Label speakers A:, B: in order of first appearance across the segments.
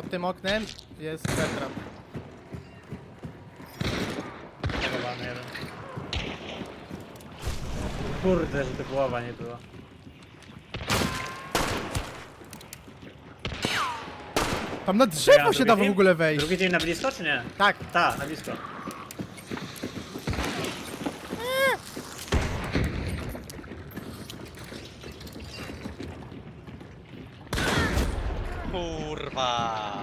A: Pod tym oknem jest Bertrand.
B: Chowany jeden. Kurde, że to głowa nie była.
A: Tam na drzewo się da w
B: Drugi
A: ogóle wejść.
B: Drugi dzień na blisko, czy nie?
A: Tak.
B: Tak, na blisko.
C: Kurwa.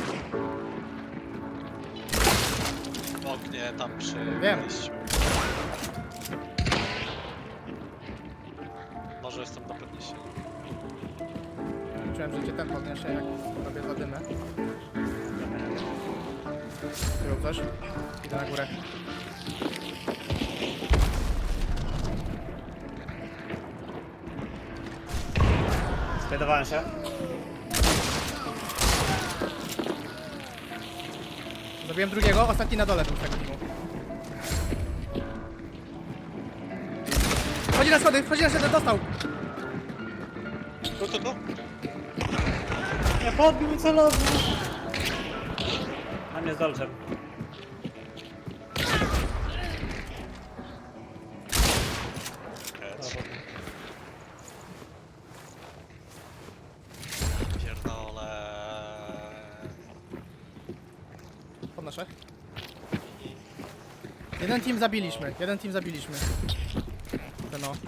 C: W oknie tam przy
A: Wiem.
C: wejściu. Może jestem na podniesieniu.
A: Czułem, że cię ten podniesie, jak robię zadymę. Było coś? Idę na górę.
B: Spiedowałem się.
A: Zabiłem drugiego, ostatni na dole był z tego teamu. Chodzi na schody, dostał!
C: Tu.
B: Nie podbił mi celownik. Na mnie z dolczem.
C: Pierdolę.
A: Podnoszę. Jeden team zabiliśmy. Ten o.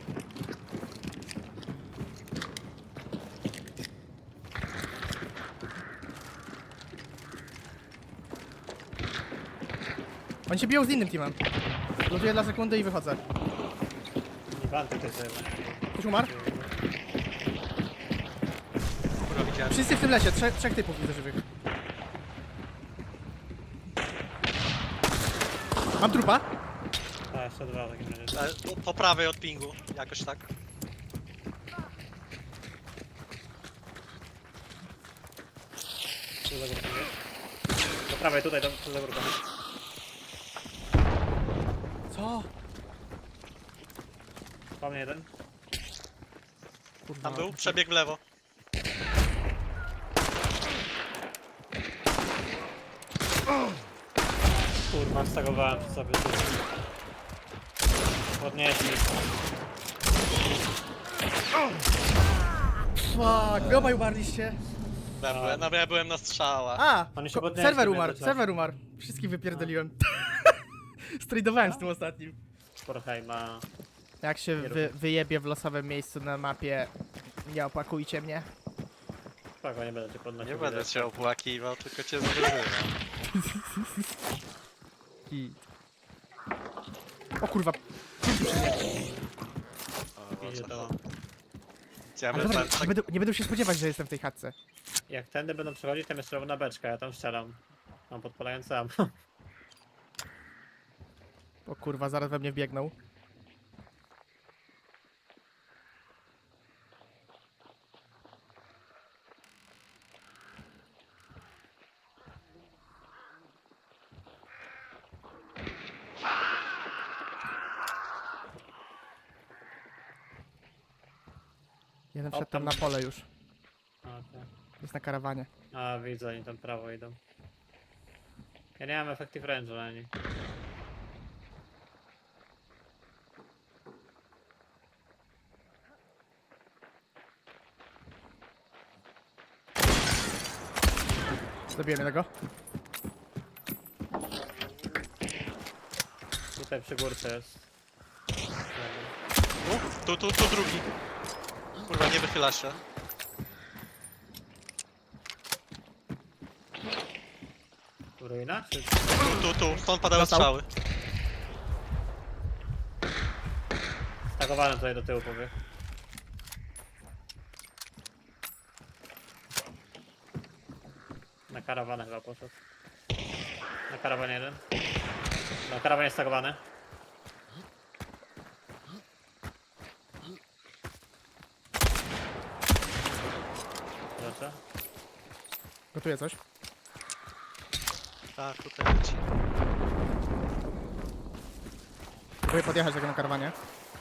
A: Oni się biją z innym teamem. Lutuję dla sekundy i wychodzę.
B: Nie banty to sobie.
A: Ktoś umarł?
C: Kurwa, widziałem.
A: Wszyscy w tym lesie, trzech typów widzę żywych. Mam trupa.
B: A, jeszcze dwa w takim razie.
C: Po prawej od pingu. Jakoś tak.
B: Tu za górką jest. Do prawej, tutaj, tu za górką.
A: Co?
B: Po mnie jeden.
A: Kurwa.
C: Tam był, przebieg w lewo.
B: Kurwa, stagowałem przy sobie. Podnieśli.
A: Fuck, wy obaj umarliście.
C: Ja byłem na strzałach.
A: A!
B: Oni się podnieśli
A: Serwer umarł. Wszystkich wypierdoliłem. Stradowałem z tym ostatnim.
B: Sporheima.
A: Jak się wyjebie w losowym miejscu na mapie, nie opakujcie mnie.
B: Spoko, nie będę cię podnosił.
C: Nie będę cię opłakiwał, tylko cię zwyzywam.
A: I... O kurwa.
B: Idzie to.
C: Ja
A: Ale
C: bym
A: dobra,
C: tak...
A: nie będą się spodziewać, że jestem w tej chatce.
B: Jak tędy będą przechodzić, tam jest czerwona beczka, ja tam strzelam. Mam podpalający sam.
A: O kurwa, zaraz we mnie wbiegną. Jeden wszedł tam na pole już.
B: Okay.
A: Jest na karawanie.
B: A, widzę, oni tam prawo idą. Ja nie mam effective range na nich.
A: Zabiłem jednego.
B: Tutaj przy górce jest.
C: Tu drugi. Kurwa, nie wychyla się.
B: Ruina? Czy...
C: Tu, stąd padały
A: Dostał.
C: strzały.
B: Stagowany tutaj do tyłu powie. Na karawanę chyba poszedł. Na karawanie jeden. Na karawanie stagowany. Proszę.
A: Gotuję coś.
C: Tak, tutaj leci.
A: Próbuję podjechać tego na karawanie.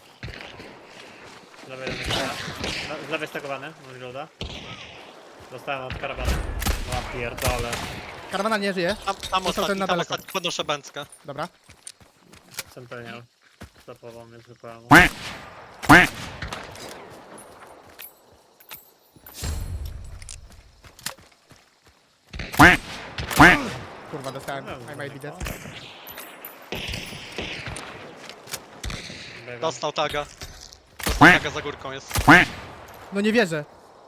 B: Z lewej jeden z lewej stagowany, mam reloada. Dostałem od karawany. Łap. Pierdolę.
A: Karawana nie żyje.
C: Tam
A: Został ten
C: ostatni,
A: na
C: tam
A: daleko.
C: ostatni, podnoszę bęckę.
A: Dobra.
B: Centenial. Stopował mnie zupełnie.
A: Kurwa, dostałem. I might be dead.
B: Biegam.
C: Dostał taga. Dostał taga za górką jest.
A: No nie wierzę.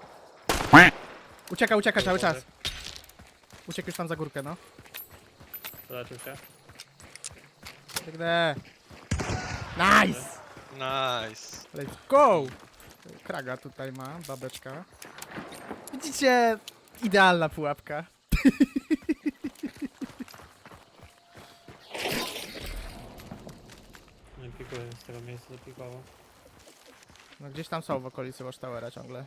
A: Ucieka cały czas. Uciekł już tam za górkę, no.
B: Zobaczył się.
A: Biegnę. Nice!
C: Nice.
A: Let's go! Kraga tutaj ma, babeczka. Widzicie? Idealna pułapka.
B: Nie pikuję z tego miejsca, dopikował.
A: No gdzieś tam są w okolicy Watchtowera ciągle.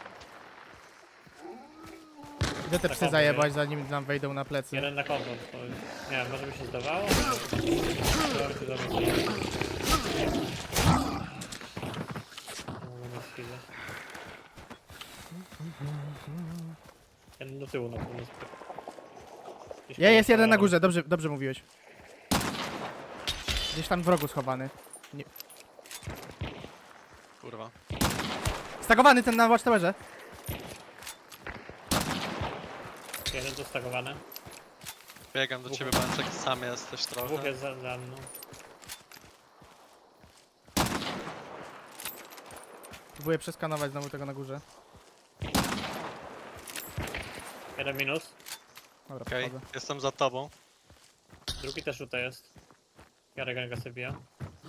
A: Idę te psy
B: Tak,
A: zajebać, zanim nam wejdą na plecy.
B: Jeden na kombo. Nie wiem, może by się zdawało? Dobra, się zamyśliłem. Mogę mieć chwilę. Jeden do tyłu na pewno. Gdzieś
A: Jest jeden na
B: koło-
A: górze, dobrze mówiłeś. Gdzieś tam w rogu schowany.
C: Kurwa.
A: Stagowany ten na Watchtowerze.
B: Jeden dostagowany.
C: Biegam do ciebie, Bęczek, sam jesteś
B: Dwóch
C: trochę.
B: jest za mną.
A: Próbuję przeskanować znowu tego na górze.
B: Jeden minus.
A: Dobra,
C: Okej,
A: podchodzę.
C: jestem za tobą.
B: Drugi też tutaj jest. Jarek ręka sobie bija.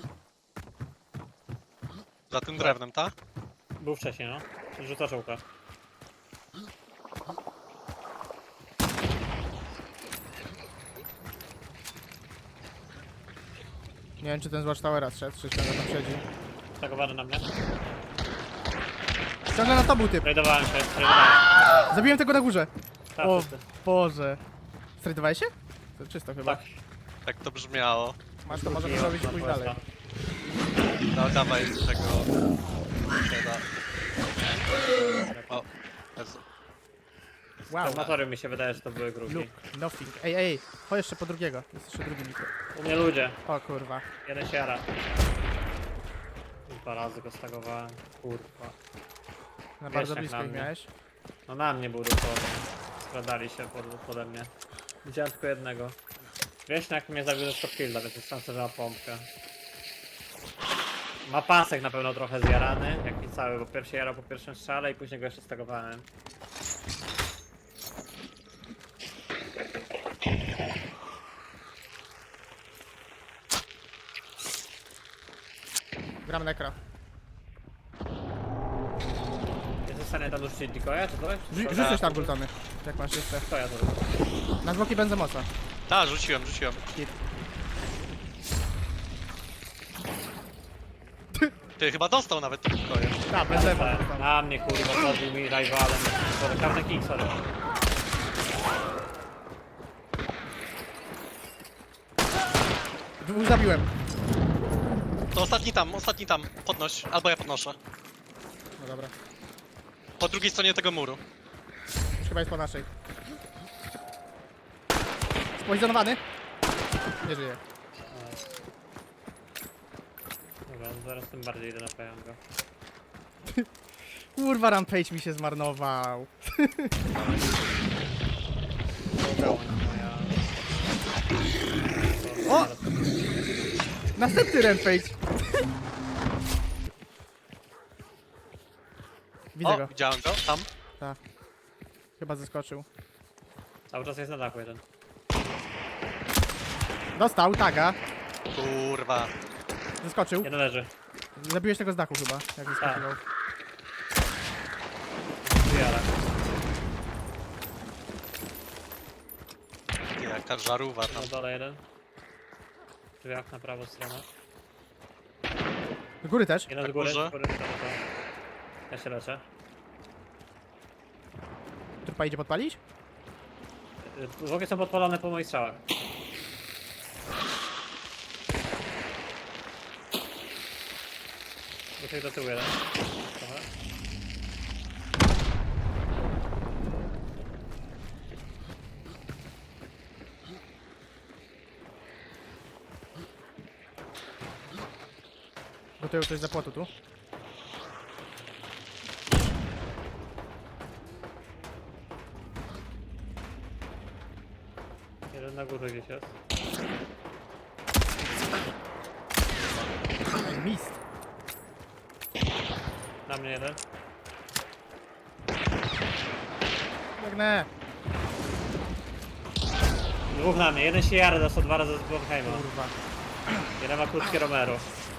C: Za tym drewnem, tak?
B: Był wcześniej, no. Rzuca czołka.
A: Nie wiem czy ten z Watchtowera zszedł, czy ciągle tam siedzi.
B: Stagowany na mnie.
A: Ciągle na to był typ.
B: Trajdowałem się, trajdowałem.
A: Zabiłem tego na górze.
B: Tak,
A: O
B: wszyscy.
A: Boże. Strajdowałeś się? To czysto chyba.
B: Tak.
C: Tak to brzmiało.
A: Masz to, możemy zrobić i pójść dalej.
C: No dawaj tego... Siada. O, Jezu.
A: Wow.
B: Formatory mi się wydaje, że to były grubi.
A: Look, nothing. Ej, chodź jeszcze po drugiego. Jest jeszcze drugi mikro.
B: U mnie ludzie.
A: O kurwa.
B: Jeden się jara. 2 razy go stagowałem. Kurwa.
A: Na bardzo
B: jak
A: blisko
B: na
A: ich
B: mnie.
A: miałeś.
B: No na mnie był dosłownie. Skradali się pode mnie. Widziałem tylko jednego. Wieśniak mnie zabił ze stopkilla, więc jest szansa, że ma pompkę. Ma pasek na pewno trochę zjarany, jak i cały, bo pierwszy jarał po pierwszym strzale i później go jeszcze stagowałem.
A: Gram nekra.
B: Jesteś w stanie tam dorzucić decoya, czy coś?
A: Rzucisz tam gultony. Jak masz jeszcze.
B: To ja to robię.
A: Na zwłoki benzemosa.
C: Tak, rzuciłem.
A: Hit.
C: Ty chyba dostał nawet to pokoje.
A: Tak, benzemos.
B: Na mnie kurwa, podbił mi rivalem. Każdy kick, sorry.
A: Dwóch zabiłem.
C: To ostatni tam. Podnoś, albo ja podnoszę.
A: No dobra.
C: Po drugiej stronie tego muru.
A: Już chyba jest po naszej. Spoizonowany? Nie żyje.
B: Dobra, zaraz tym bardziej idę na pająka.
A: Kurwa, Rampage mi się zmarnował. O! Następny Rampage. Widzę
C: O,
A: go.
C: widziałem go, tam.
A: Chyba zeskoczył.
B: Cały czas jest na dachu jeden.
A: Dostał, taga.
C: Kurwa.
A: Zeskoczył.
B: Jeden leży.
A: Zabiłeś tego z dachu chyba, jak zeskoczył.
B: Jara.
C: Jaka żarówa tam.
B: Na dole jeden. Drzwiach na prawą stronę.
A: Do góry też.
B: Jeden
C: Na
B: z góry.
C: górze?
B: Z góry. To. Ja się leczę.
A: Trupa idzie podpalić?
B: Zwłoki są podpalone po moich strzałach. Muszę do tyłu jeden. Trochę.
A: Do tyłu coś za płotu tu.
B: Jeden na górze gdzieś jest.
A: Ej, mist.
B: Na mnie jeden.
A: Biegnę.
B: Dwóch na mnie. Jeden się jara, dostał 2 razy z Blomheima.
A: Kurwa.
B: Jeden ma krótkie Romero.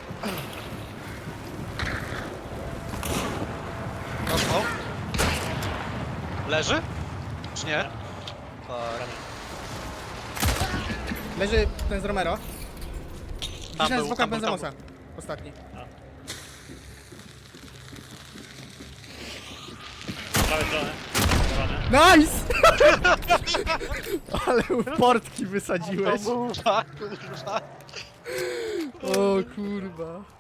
C: Dostał. Leży? Czy nie? Tak.
A: Leży ten z Romero.
C: Tam
A: Gdzieś
C: był,
A: z boku
C: tam był, tam
A: benzamosa. Ostatni.
B: Z prawej strony. Strony.
A: Nice! Ale portki wysadziłeś.
C: To był, kurwa.
A: O kurwa.